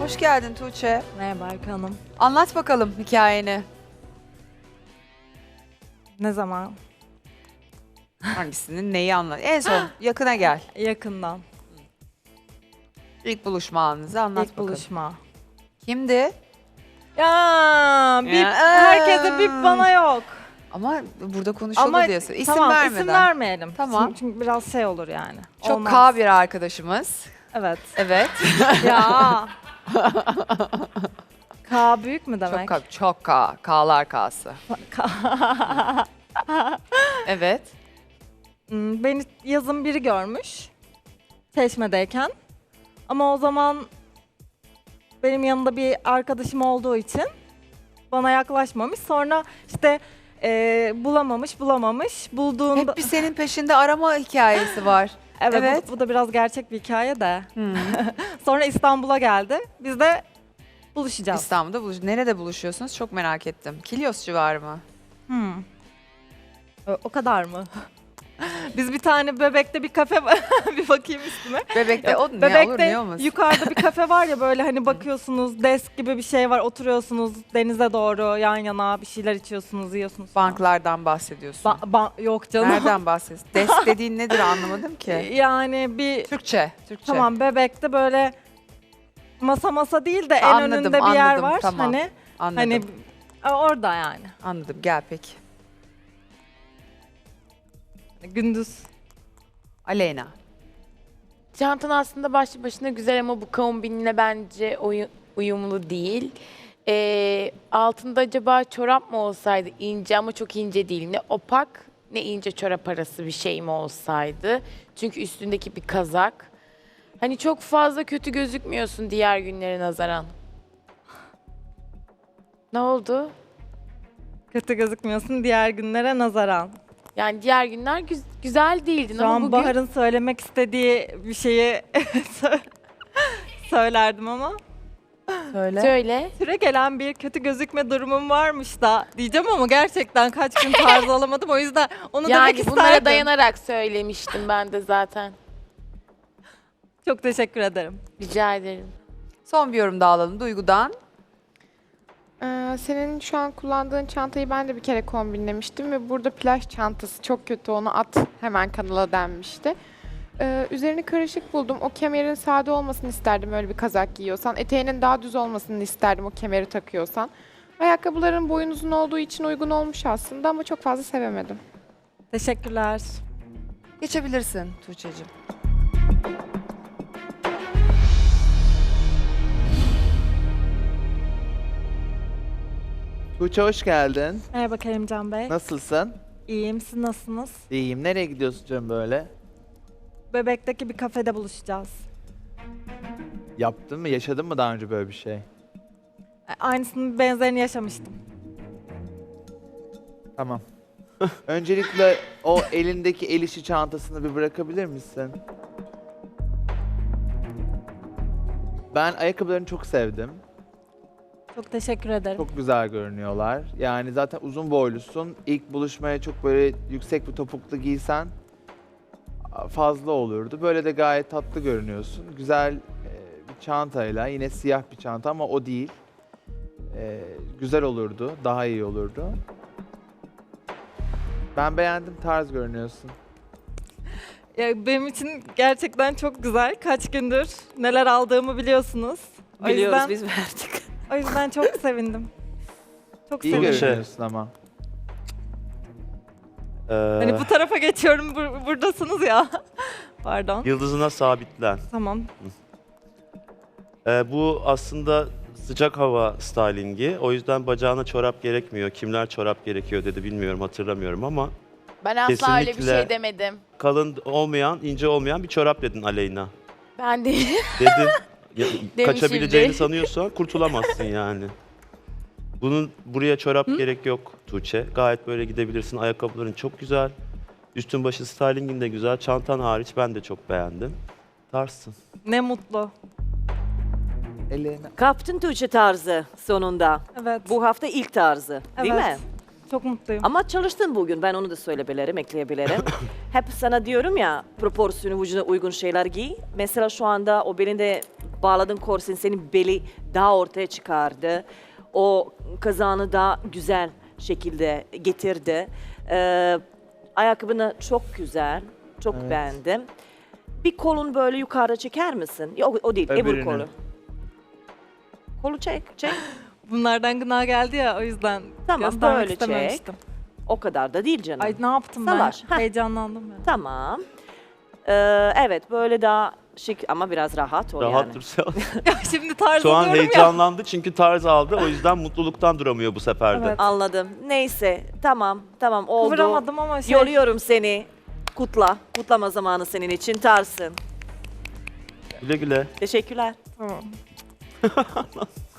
Hoş geldin Tuğçe. Merhaba Erkan Hanım. Anlat bakalım hikayeni. Ne zaman? Hangisinin neyi anlat? En son yakına gel. Yakından. İlk buluşma anınızı anlat İlk bakalım. buluşma. Kimdi? Ya, bip, Ya, herkese bip bana yok. Ama burada konuşuldu Ama diyorsun. İsim tamam, vermeden. isim vermeyelim. Tamam. Çünkü biraz şey olur yani. Çok Olmaz. K bir arkadaşımız. Evet. Evet. Ya. K büyük mü demek? Çok K. K'lar K'sı. Evet. Beni yazın biri görmüş. Çeşmedeyken. Ama o zaman benim yanında bir arkadaşım olduğu için bana yaklaşmamış. Sonra işte bulamamış. Bulduğunda... Hep bir senin peşinde arama hikayesi var. Evet, Evet. Bu da biraz gerçek bir hikaye de. Hmm. Sonra İstanbul'a geldi. Biz de buluşacağız. İstanbul'da Nerede buluşuyorsunuz? Çok merak ettim. Kilyos civarı mı? O kadar mı? Biz bir tane Bebek'te bir kafe bir bakayım üstüme. Bebek'te o ne Bebek'te olur ne olmaz. yukarıda bir kafe var ya, böyle hani bakıyorsunuz, desk gibi bir şey var, oturuyorsunuz denize doğru yan yana bir şeyler içiyorsunuz, yiyorsunuz. falan. Banklardan bahsediyorsun. Yok canım. Nereden bahsediyorsun? Desk dediğin nedir anlamadım ki. Yani bir Türkçe. tamam, Bebek'te böyle masa değil de en Anladım, önünde bir yer anladım, var. tamam. Anladım. Hani orada yani. Anladım. Gel peki. Gündüz. Aleyna. Çantan aslında başlı başına güzel ama bu kombinle bence uyumlu değil. Altında acaba çorap mı olsaydı, ince ama çok ince değil. Ne opak ne ince çorap arası bir şey mi olsaydı. Çünkü üstündeki bir kazak. Hani çok fazla kötü gözükmüyorsun diğer günlere nazaran. Ne oldu? Kötü gözükmüyorsun diğer günlere nazaran. Yani diğer günler güzel değildin Şu ama an bugün... Bahar'ın söylemek istediği bir şeyi söylerdim ama. Söyle. Süre gelen bir kötü gözükme durumum varmış da diyeceğim ama gerçekten kaç gün tarz alamadım, o yüzden onu demek Yani isterdim. bunlara dayanarak söylemiştim ben de zaten. Çok teşekkür ederim. Rica ederim. Son bir yorum daha alalım Duygu'dan. Senin şu an kullandığın çantayı ben de bir kere kombinlemiştim ve burada plaj çantası çok kötü, onu at hemen kanala denmişti. Üzerini karışık buldum. O kemerin sade olmasını isterdim öyle bir kazak giyiyorsan. Eteğinin daha düz olmasını isterdim o kemeri takıyorsan. Ayakkabıların boyun uzun olduğu için uygun olmuş aslında ama çok fazla sevemedim. Teşekkürler. Geçebilirsin Tuğçe'cim. Tuğçe hoş geldin. Merhaba Kerimcan Bey. Nasılsın? İyiyim, siz nasılsınız? İyiyim. Nereye gidiyorsun canım böyle? Bebek'teki bir kafede buluşacağız. Yaptın mı? Yaşadın mı daha önce böyle bir şey? Aynısının benzerini yaşamıştım. Tamam. Öncelikle o elindeki el işi çantasını bir bırakabilir misin? Ben ayakkabılarını çok sevdim. Çok teşekkür ederim. Çok güzel görünüyorlar. Yani zaten uzun boylusun. İlk buluşmaya çok böyle yüksek bir topuklu giysen fazla olurdu. Böyle de gayet tatlı görünüyorsun. Güzel bir çantayla, yine siyah bir çanta ama o değil. Güzel olurdu, daha iyi olurdu. Ben beğendim, tarz görünüyorsun. Ya benim için gerçekten çok güzel. Kaç gündür neler aldığımı biliyorsunuz. Biliyoruz, biz verdik. O yüzden çok sevindim. Çok İyi sevindim. görünüyorsun ama. Hani bu tarafa geçiyorum, buradasınız ya. Pardon. Yıldızına sabitlen. Tamam. Bu aslında sıcak hava stylingi. O yüzden bacağına çorap gerekmiyor. Kimler çorap gerekiyor dedi bilmiyorum, hatırlamıyorum ama Ben asla öyle bir Kesinlikle. şey demedim. kalın olmayan, ince olmayan bir çorap dedin Aleyna. Ben değil. Dedin. Kaçabileceğini Demişimdir. sanıyorsan kurtulamazsın yani. Bunun buraya çorap gerek yok Tuğçe. Gayet böyle gidebilirsin. Ayakkabıların çok güzel. Üstün başı stylingin de güzel. Çantan hariç ben de çok beğendim. Tarzsın. Ne mutlu. Ellerine. Kaptın Tuğçe tarzı sonunda. Evet. Bu hafta ilk tarzı değil Evet. mi? Çok mutluyum. Ama çalıştın bugün, ben onu da söyleyebilirim, ekleyebilirim. Hep sana diyorum ya, proporsiyonu vücuduna uygun şeyler giy. Mesela şu anda o belinde bağladığın korsen senin beli daha ortaya çıkardı. O kazağını da güzel şekilde getirdi. Ayakkabını çok güzel, çok Evet. beğendim. Bir kolun böyle yukarıda çeker misin? Yok o değil, öbür Öbürünü. kolu. Kolu çek. Bunlardan gına geldi ya o yüzden Tamam, göstermek böyle çek. istememiştim. O kadar da değil canım. Ay ne yaptım Salaş. ben? Heh. Heyecanlandım ya. Tamam. Evet, böyle daha şık ama biraz rahat ol Rahat yani. dursa. Şimdi tarz Şu an alıyorum ya. heyecanlandı çünkü tarz aldı. O yüzden mutluluktan duramıyor bu sefer de. Evet. Anladım. Neyse, tamam oldu. Kıvıramadım ama şey. Yoluyorum seni. Kutla. Kutlama zamanı senin için tarsın. Güle güle. Teşekkürler. Tamam.